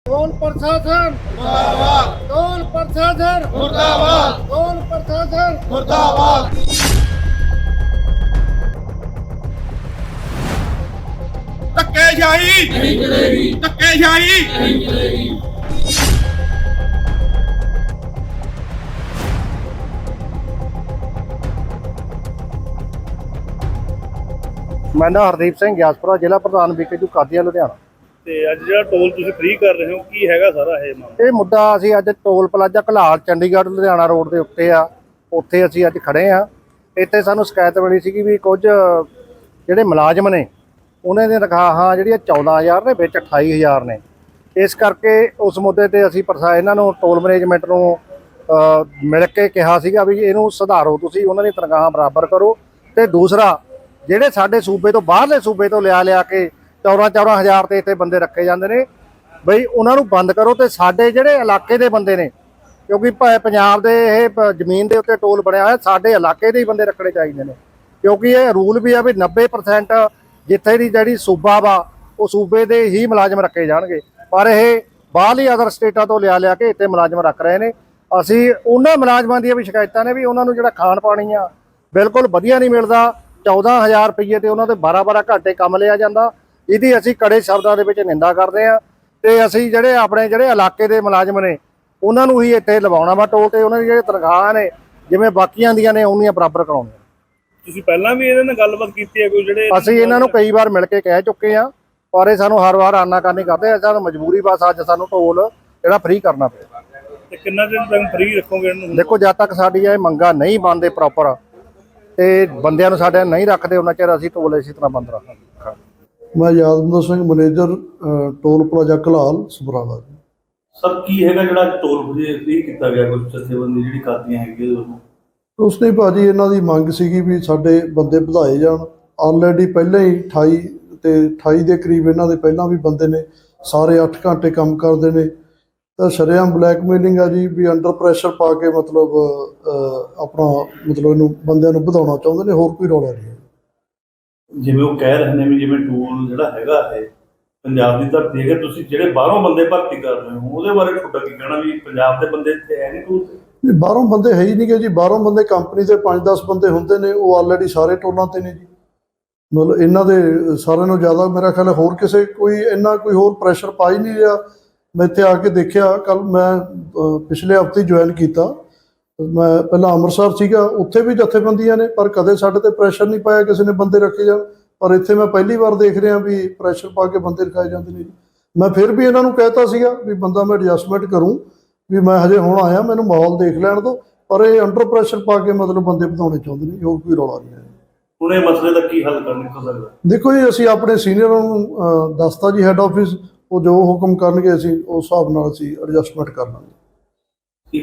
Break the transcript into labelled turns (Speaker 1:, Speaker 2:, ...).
Speaker 1: Toll प्रशासन मुर्दाबाद, toll प्रशासन मुर्दाबाद, टोल प्रशासन मुर्दाबाद।
Speaker 2: ਧੱਕੇਸ਼ਾਹੀ ਨਹੀਂ ਚਲੇਗੀ, ਧੱਕੇਸ਼ਾਹੀ ਨਹੀਂ ਚਲੇਗੀ।
Speaker 1: मैं ना हरदीप सिंह ਗਿਆਸਪੁਰਾ ਜ਼ਿਲ੍ਹਾ ਪ੍ਰਧਾਨ ਬੀਕੇਯੂ ਕਾਦੀਆਂ ਲੁਧਿਆਣਾ।
Speaker 3: ਤੇ ਅੱਜ ਜਿਹੜਾ ਟੋਲ ਤੁਸੀਂ ਫ੍ਰੀ ਕਰ ਰਹੇ ਹੋ ਕੀ ਹੈਗਾ ਸਾਰਾ ਇਹ ਮਾਮਲਾ?
Speaker 1: ਇਹ ਮੁੱਦਾ ਅਸੀਂ ਅੱਜ toll plaza Ghalal Chandigarh Ludhiana road ਦੇ ਉੱਤੇ ਆ, ਉੱਥੇ ਅਸੀਂ ਅੱਜ ਖੜੇ ਆ। ਇੱਥੇ ਸਾਨੂੰ ਸ਼ਿਕਾਇਤ ਮਿਲੀ ਸੀ ਵੀ ਕੁਝ ਜਿਹੜੇ ਮੁਲਾਜ਼ਮ ਨੇ ਉਹਨਾਂ ਦੀਆਂ ਤਨਖਾਹਾਂ ਜਿਹੜੀਆਂ 14000 ਨੇ ਵਿੱਚ 28000 ਨੇ। ਇਸ ਕਰਕੇ ਉਸ ਮੁੱਦੇ ਤੇ ਅਸੀਂ ਇਹਨਾਂ ਨੂੰ ਟੋਲ ਮੈਨੇਜਮੈਂਟ ਨੂੰ ਮਿਲ ਕੇ ਕਿਹਾ ਸੀਗਾ ਵੀ ਇਹਨੂੰ ਸੁਧਾਰੋ, ਤੁਸੀਂ ਉਹਨਾਂ ਦੀ ਤਨਖਾਹਾਂ ਬਰਾਬਰ ਕਰੋ। ਤੇ ਦੂਸਰਾ ਜਿਹੜੇ ਸਾਡੇ ਸੂਬੇ ਤੋਂ ਬਾਹਰਲੇ ਸੂਬੇ ਤੋਂ ਲਿਆ ਕੇ 14-14 ਤੇ ਇੱਥੇ ਬੰਦੇ ਰੱਖੇ ਜਾਂਦੇ ਨੇ, ਬਈ ਉਹਨਾਂ ਨੂੰ ਬੰਦ ਕਰੋ। ਤੇ ਸਾਡੇ ਜਿਹੜੇ ਇਲਾਕੇ ਦੇ ਬੰਦੇ ਨੇ, ਕਿਉਂਕਿ ਪੰਜਾਬ ਦੇ ਇਹ ਜ਼ਮੀਨ ਦੇ ਉੱਤੇ ਟੋਲ ਬਣਿਆ ਹੋਇਆ, ਸਾਡੇ ਇਲਾਕੇ ਦੇ ਹੀ ਬੰਦੇ ਰੱਖਣੇ ਚਾਹੀਦੇ ਨੇ। ਕਿਉਂਕਿ ਇਹ ਰੂਲ ਵੀ ਆ ਵੀ 90% ਜਿੱਥੇ ਦੀ ਜਿਹੜੀ ਸੂਬਾ ਵਾ ਉਹ ਸੂਬੇ ਦੇ ਹੀ ਮੁਲਾਜ਼ਮ ਰੱਖੇ ਜਾਣਗੇ, ਪਰ ਇਹ ਬਾਹਰਲੀ ਅਦਰ ਸਟੇਟਾਂ ਤੋਂ ਲਿਆ ਕੇ ਇੱਥੇ ਮੁਲਾਜ਼ਮ ਰੱਖ ਰਹੇ ਨੇ। ਅਸੀਂ ਉਹਨਾਂ ਮੁਲਾਜ਼ਮਾਂ ਦੀਆਂ ਵੀ ਸ਼ਿਕਾਇਤਾਂ ਨੇ ਵੀ ਉਹਨਾਂ ਨੂੰ ਜਿਹੜਾ ਖਾਣ ਪਾਣੀ ਆ ਬਿਲਕੁਲ ਵਧੀਆ ਨਹੀਂ ਮਿਲਦਾ। 14000 ਰੁਪਏ ਤੇ ਉਹਨਾਂ ਦੇ 12-12 ਘੰਟੇ ਕੰਮ ਲਿਆ ਜਾਂਦਾ। ਇਹਦੀ ਅਸੀਂ ਕੜੇ ਸ਼ਬਦਾਂ ਦੇ ਵਿੱਚ ਨਿੰਦਾ ਕਰਦੇ ਹਾਂ। ਤੇ ਅਸੀਂ ਆਪਣੇ ਇਲਾਕੇ ਦੇ ਮੁਲਾਜ਼ਮ ਨੇ ਉਹਨਾਂ ਨੂੰ ਹੀ ਇੱਥੇ ਲਵਾਉਣਾ ਵਾ ਟੋਲ, ਤੇ ਉਹਨਾਂ ਦੀ ਜਿਹੜੇ ਤਨਖਾਹਾਂ ਨੇ ਜਿਵੇਂ ਬਾਕੀਆਂ ਦੀਆਂ ਨੇ ਉਨੀਆਂ ਬਰਾਬਰ ਕਰਾਉਣੀਆਂ।
Speaker 3: ਤੁਸੀਂ ਪਹਿਲਾਂ ਵੀ ਇਹਨਾਂ ਨਾਲ ਗੱਲਬਾਤ ਕੀਤੀ ਹੈ ਕੋਈ? ਜਿਹੜੇ
Speaker 1: ਅਸੀਂ ਇਹਨਾਂ ਨੂੰ ਕਈ ਵਾਰ ਮਿਲ ਕੇ ਕਹਿ ਚੁੱਕੇ ਆ, ਪਰ ਇਹ ਸਾਨੂੰ ਹਰ ਵਾਰ ਆਨਾਕਾਨੀ ਕਰਦੇ। ਸਾਨੂੰ ਮਜਬੂਰੀ ਬਸ ਅੱਜ ਸਾਨੂੰ ਟੋਲ ਜਿਹੜਾ ਫ੍ਰੀ ਕਰਨਾ ਪਿਆ।
Speaker 3: ਤੇ ਕਿੰਨਾ ਦਿਨ ਤੱਕ ਫ੍ਰੀ ਰੱਖੋਗੇ ਇਹਨੂੰ?
Speaker 1: ਦੇਖੋ, ਜਦ ਤੱਕ ਸਾਡੀ ਇਹ ਮੰਗਾਂ ਨਹੀਂ ਬਣਦੇ ਪ੍ਰੋਪਰ ਤੇ ਬੰਦਿਆਂ ਨੂੰ ਸਾਡੇ ਨਹੀਂ ਰੱਖਦੇ, ਉਹਨਾਂ ਚਿਰ ਅਸੀਂ ਟੋਲ ਇਸੇ ਤਰ੍ਹਾਂ ਬੰਦ ਰੱਖਾਂਗੇ।
Speaker 4: ਮੈਂ Yadvinder Singh, manager toll plaza Ghalal Samrala.
Speaker 5: Sir ਕੀ ਹੈਗਾ ਜਿਹੜਾ ਟੋਲ ਫ੍ਰੀ ਕੀਤਾ ਗਿਆ? ਕੁਝ ਜਥੇਬੰਦੀ ਜਿਹੜੀ ਕਰਦੀਆਂ ਹੈਗੀਆਂ
Speaker 4: ਉਸ ਨੇ ਭਾਜੀ ਇਹਨਾਂ ਦੀ ਮੰਗ ਸੀਗੀ ਵੀ ਸਾਡੇ ਬੰਦੇ ਵਧਾਏ ਜਾਣ। ਆਲਰੇਡੀ ਪਹਿਲਾਂ ਹੀ 28 ਦੇ ਕਰੀਬ ਇਹਨਾਂ ਦੇ ਪਹਿਲਾਂ ਵੀ ਬੰਦੇ ਨੇ, ਸਾਰੇ 8 ਘੰਟੇ ਕੰਮ ਕਰਦੇ ਨੇ। ਤਾਂ ਸ਼ਰੇਆਮ ਬਲੈਕਮੇਲਿੰਗ ਆ ਜੀ, ਵੀ ਅੰਡਰ ਪ੍ਰੈਸ਼ਰ ਪਾ ਕੇ ਇਹਨੂੰ ਬੰਦਿਆਂ ਨੂੰ ਵਧਾਉਣਾ ਚਾਹੁੰਦੇ ਨੇ, ਹੋਰ ਕੋਈ ਰੌਲਾ ਨਹੀਂ।
Speaker 5: ਜਿਵੇਂ ਉਹ ਕਹਿ ਰਹੇ ਨੇ ਵੀ ਜਿਵੇਂ ਟੋਲ ਜਿਹੜਾ ਹੈਗਾ ਇਹ ਪੰਜਾਬ ਦੀ ਧਰਤੀ ਹੈਗਾ, ਤੁਸੀਂ ਜਿਹੜੇ ਬਾਹਰੋਂ ਬੰਦੇ ਭਰਤੀ ਕਰ ਰਹੇ ਹੋ ਉਹਦੇ ਬਾਰੇ ਤੁਹਾਡਾ ਕੀ ਕਹਿਣਾ? ਵੀ ਪੰਜਾਬ ਦੇ ਬੰਦੇ ਇੱਥੇ ਹੈ ਨਹੀਂ ਟੋਲ ਤੇ?
Speaker 4: ਬਾਹਰੋਂ ਬੰਦੇ ਹੈ ਹੀ ਨਹੀਂ ਗੇ ਜੀ। ਬਾਹਰੋਂ ਬੰਦੇ ਕੰਪਨੀ ਦੇ 5-10 ਬੰਦੇ ਹੁੰਦੇ ਨੇ, ਉਹ ਆਲਰੇਡੀ ਸਾਰੇ ਟੋਲਾਂ ਤੇ ਨੇ ਜੀ। ਮਤਲਬ ਇਹਨਾਂ ਦੇ ਸਾਰਿਆਂ ਨੂੰ ਜ਼ਿਆਦਾ ਮੇਰਾ ਖਿਆਲ ਹੋਰ ਕਿਸੇ ਕੋਈ ਹੋਰ ਪ੍ਰੈਸ਼ਰ ਪਾ ਹੀ ਨਹੀਂ ਰਿਹਾ। ਮੈਂ ਇੱਥੇ ਆ ਕੇ ਦੇਖਿਆ, ਕੱਲ ਮੈਂ ਪਿਛਲੇ ਹਫ਼ਤੇ ਜੁਆਇਨ ਕੀਤਾ। ਮੈਂ ਪਹਿਲਾਂ ਅੰਮ੍ਰਿਤਸਰ ਸੀਗਾ, ਉੱਥੇ ਵੀ ਜਥੇਬੰਦੀਆਂ ਨੇ, ਪਰ ਕਦੇ ਸਾਡੇ ਤੇ ਪ੍ਰੈਸ਼ਰ ਨਹੀਂ ਪਾਇਆ ਕਿਸੇ ਨੇ ਬੰਦੇ ਰੱਖੇ ਜਾਣ। ਪਰ ਇੱਥੇ ਮੈਂ ਪਹਿਲੀ ਵਾਰ ਦੇਖ ਰਿਹਾ ਵੀ ਪ੍ਰੈਸ਼ਰ ਪਾ ਕੇ ਬੰਦੇ ਰਖਾਏ ਜਾਂਦੇ ਨੇ। ਮੈਂ ਫਿਰ ਵੀ ਇਹਨਾਂ ਨੂੰ ਕਹਿਤਾ ਸੀਗਾ ਵੀ ਬੰਦਾ ਮੈਂ ਐਡਜਸਟਮੈਂਟ ਕਰੂੰ, ਵੀ ਮੈਂ ਹਜੇ ਹੁਣ ਆਇਆ, ਮੈਨੂੰ ਮਾਹੌਲ ਦੇਖ ਲੈਣ ਦਿਓ। ਪਰ ਇਹ ਅੰਡਰ ਪ੍ਰੈਸ਼ਰ ਪਾ ਕੇ ਬੰਦੇ ਵਧਾਉਣੇ ਚਾਹੁੰਦੇ ਨੇ, ਹੋਰ ਕੋਈ ਰੌਲਾ ਨਹੀਂ ਹੈ।
Speaker 5: ਹੁਣ ਇਹ ਮਸਲੇ ਦਾ ਕੀ ਹੱਲ ਨਿਕਲ ਸਕਦਾ?
Speaker 4: ਦੇਖੋ ਜੀ, ਅਸੀਂ ਆਪਣੇ ਸੀਨੀਅਰਾਂ ਨੂੰ ਦੱਸਤਾ ਜੀ, ਹੈੱਡ ਆਫਿਸ ਉਹ ਜੋ ਹੁਕਮ ਕਰਨਗੇ ਅਸੀਂ ਉਸ ਹਿਸਾਬ ਨਾਲ ਅਸੀਂ ਐਡਜਸਟਮੈਂਟ ਕਰ ਲਾਂਗੇ।